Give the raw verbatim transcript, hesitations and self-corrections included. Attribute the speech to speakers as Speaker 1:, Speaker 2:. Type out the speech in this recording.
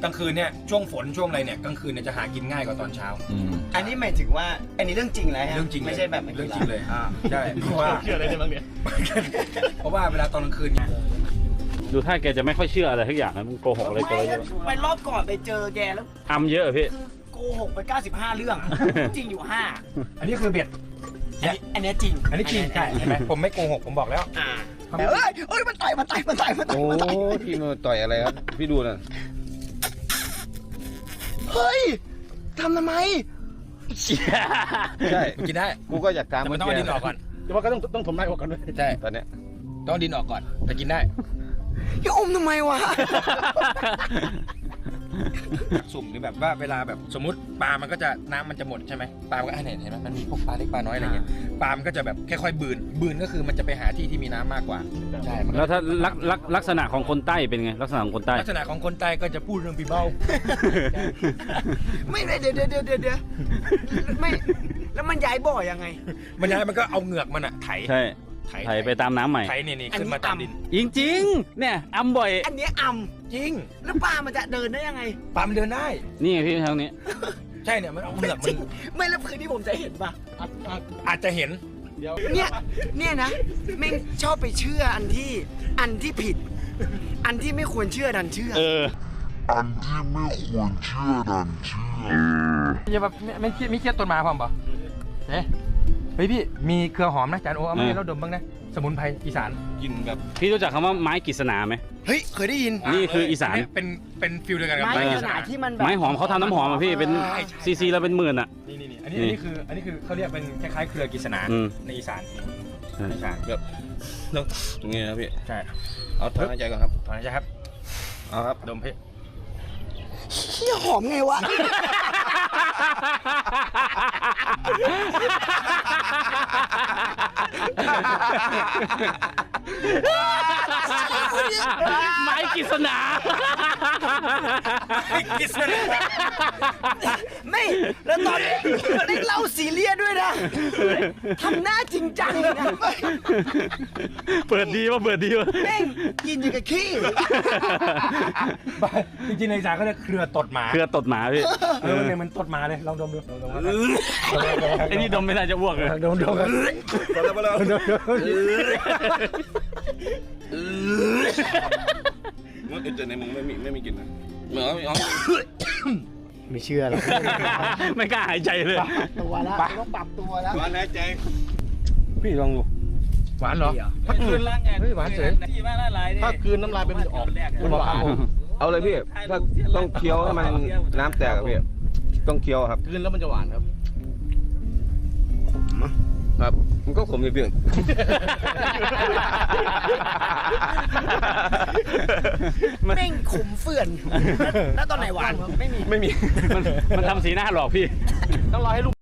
Speaker 1: กลางคืนเนี่ยช่วงฝนช่วงอะไรเนี่ยกลางคืนเนี่ยจะหากินง่ายกว่าตอนเช้า
Speaker 2: อันนี้หมายถึงว่าอันนี้เรื่องจริงเลยฮะ
Speaker 1: เรื่องจริงเลย
Speaker 2: ไม่ใช่แบบ
Speaker 1: เรื่องจริงเลย
Speaker 2: อ่า
Speaker 1: ใช่เพราะว่า
Speaker 3: เชื่ออะไรได้บ้างเนี่ย
Speaker 1: เพราะว่าเวลาตอนกลางคืนเนี่ย
Speaker 4: ดูถ้าแกจะไม่ค่อยเชื่ออะไรทุกอย่างนะมึงโกหกอะไรกัน
Speaker 2: ไม่
Speaker 4: เยอะ
Speaker 2: ไปรอบก่อนไปเจอแกแล้ว
Speaker 4: อำเยอะพี่
Speaker 2: คือโกหกไปเก้าสิบห้าเรื่องอะจริงอยู่ห้า
Speaker 1: อันนี้คือเบ็ด
Speaker 2: อันนี้อันนี้จริง
Speaker 1: อันนี้จริงใช่เห็นไหมผมไม่โกหกผมบอกแล้ว
Speaker 2: อ่าแต่เอ้ยเอ้ยมันต่อยมันต่อยมันต่อยมันต่อย
Speaker 5: โอ้
Speaker 2: มันต่อย
Speaker 5: พี่มาต่อยอะไรครับพี่ดูนะ
Speaker 2: เฮ้ยทำทำไม
Speaker 5: ใช่
Speaker 1: กินได้
Speaker 5: กูก็อยากตาม
Speaker 1: แต่มันต้องเอาดินออกก่อน
Speaker 3: แต่ว่าก็ต้องต้องผมไล่ออกกันด้วย
Speaker 1: ใช่
Speaker 5: ตอนเนี้ย
Speaker 1: ต้องเอาดินออกก่อนแต่กินได้
Speaker 2: อย่าอมทำไมวะ
Speaker 1: สุ่มหรือแบบว่าเวลาแบบสมมติปลามันก็จะน้ำมันจะหมดใช่ไหมปลามันก็เห็นเห็นไหมมันมีพวกปลาเล็กปลาน้อยอะไรเงี้ยปลามันก็จะแบบค่อยๆบืนบืนก็คือมันจะไปหาที่ที่มีน้ำมากกว่าใช่มันก็
Speaker 4: แล้วถ้าลักลักลักษณะของคนใต้เป็นไงลักษณะของคนใต้
Speaker 1: ลักษณะของคนใต้ก็จะพูดเรื่องปีเบ้า
Speaker 2: ไม่ไม่เดี๋ยวเดี๋ยวเดี๋ยวเดี๋ยวเดี๋ยวไม่แล้วมันย้ายบ่อยังไง
Speaker 1: มันย้ายมันก็เอาเหงือกมันอะไถ
Speaker 4: ใช่
Speaker 1: ไถ
Speaker 4: ไถไปตามน้ำใหม่
Speaker 1: ไถนี่นี่ขึ้นมาตามดิน
Speaker 4: จริงๆเนี่ยอำบ่อย
Speaker 2: อันเนี้ยอ่
Speaker 1: จริง
Speaker 2: ำแล้วปลามันจะเดินได้ยังไง
Speaker 1: ปลามันเดินได้
Speaker 4: นี่ไงพี่ทางนี้
Speaker 1: ใช่เนี่ยมันเอาเหงือก
Speaker 2: จ
Speaker 1: มั
Speaker 2: ริ
Speaker 1: น
Speaker 2: งไม่แล้วคืนที่ผมจะเห็นป่ะ
Speaker 1: อาจจะเห็น
Speaker 2: เนี่ยเนี่ยนะแม่งชอบไปเชื่ออันที่อันที่ผิด อันที่ไม่ควรเชื่อดันเชื่อ
Speaker 4: เออ
Speaker 6: อันที่ไม่ควรเชื่อดันเชื่อ
Speaker 1: อย่าแบบไม่เครียดไม่เครียดต้นไม้ความปะเฮ้ยเฮ้ยพี่มีเครือหอมนะจานโอเอามาให้เราดมบ้างนะสมุนไพรอีสาน
Speaker 5: กินแบบ
Speaker 4: พี่รู้จักคำว่าไม้กฤษณาไหม
Speaker 2: เฮ้ยเคยได้ยิน
Speaker 4: นี่คืออีสาน
Speaker 1: เยเป็นเป็นฟิลเดียวกันกับ
Speaker 2: ไม้
Speaker 1: ไม้
Speaker 2: ข
Speaker 1: อีสา
Speaker 2: นาด
Speaker 1: น
Speaker 2: ที่มันแบบ
Speaker 4: ไม้หอมเขาทำน้ำหอมอะพี่เป็น
Speaker 1: ใช่ใช่
Speaker 4: ซีซีแล้วเป็นหมื่นอะ
Speaker 1: นี่นี่นี่อันนี้
Speaker 4: นี่
Speaker 1: อันนี้คืออันนี้คือเขาเรียกเป็นคล้ายๆเครือกิษณา
Speaker 4: อืม
Speaker 1: ในอีสาน
Speaker 4: ใช่
Speaker 1: ในอีสาน
Speaker 5: แบบเรื่องตรงนี้นะพี่
Speaker 1: ใช่
Speaker 5: เอาถอนหายใจก่อนครับ
Speaker 1: ตอนนี้ครับ
Speaker 5: เอาครับ
Speaker 1: ดมพี่
Speaker 2: เฮียหอมไงวะ
Speaker 4: ไม้กฤษณา
Speaker 1: กิษณา
Speaker 2: ไม่แล้วตอนนี้ได้เล่าซีเรียสด้วยนะทำหน้าจริงจังเลยนะ
Speaker 4: เปิดดีว่าเปิดดีว่า
Speaker 2: แม่งกินอยู่กับขี้
Speaker 1: จริงๆในอีสานเขาเรียกเครือตดหมา
Speaker 4: เครือตดหมาพี่
Speaker 1: เออเนี่ยมันตดหมาเลยลองดมดูลองดมครับ
Speaker 4: ไอ้นี่ดมไม่น่าจะอ้วกเลย
Speaker 1: ลองดมดมครับ
Speaker 5: พอแล้วพอแล้ว
Speaker 1: ดมดม
Speaker 5: มึงเจอในมึงไม่มีไม่มีกลิ่นนะเหมือนเอา
Speaker 2: ไม่เชื่อหรอก
Speaker 4: ไม่กล้าหายใจเลย
Speaker 2: ตัวแล้วต้องปรับตัวแล้ว
Speaker 5: หวานหายใจ
Speaker 1: พี่ลองดูหวานเหรอถ้าคืนเฮ้ยหวานเฉย
Speaker 3: ถ้าคืนน้ำลายเป็นออกมันหวาน
Speaker 5: เอาเลยพี่ถ้าต้องเคี้ยวให้มันน้ำแตกอะพี่ต้องเคี้ยวครับ
Speaker 3: คืนแล้วมันจะหวานครับ
Speaker 5: ครับมันก็ขมอยู่เพียง
Speaker 2: แม่งขมเฟื่อน แล้วตอนไหนหวานไม่มี
Speaker 5: ไม่มี
Speaker 4: มันมันทำสีหน้าหลอกพี่
Speaker 3: ต้องรอให้ลูก